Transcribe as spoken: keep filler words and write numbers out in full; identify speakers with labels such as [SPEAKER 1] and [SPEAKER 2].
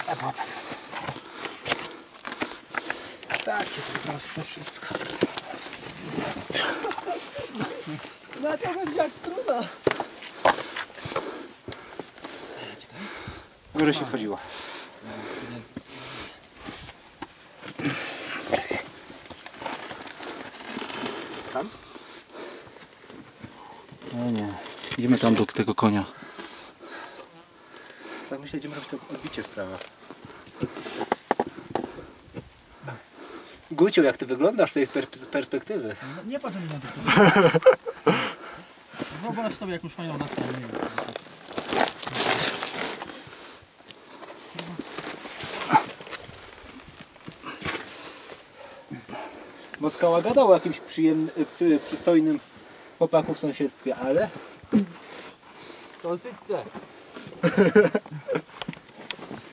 [SPEAKER 1] Takie to proste wszystko.
[SPEAKER 2] No to będzie jak trudno.
[SPEAKER 1] W górę się wchodziło. Tam?
[SPEAKER 3] No nie. Idziemy tam do tego konia.
[SPEAKER 1] Tak myślę, będziemy robić to odbicie w prawo. Gucio, jak ty wyglądasz z tej per perspektywy?
[SPEAKER 2] No, nie patrz mi na to. Wyobraź sobie jakąś fajną nasłę.
[SPEAKER 1] Bo Skała gadał o jakimś przyjemnym, przy, przystojnym chłopaku w sąsiedztwie, ale...
[SPEAKER 2] To syce.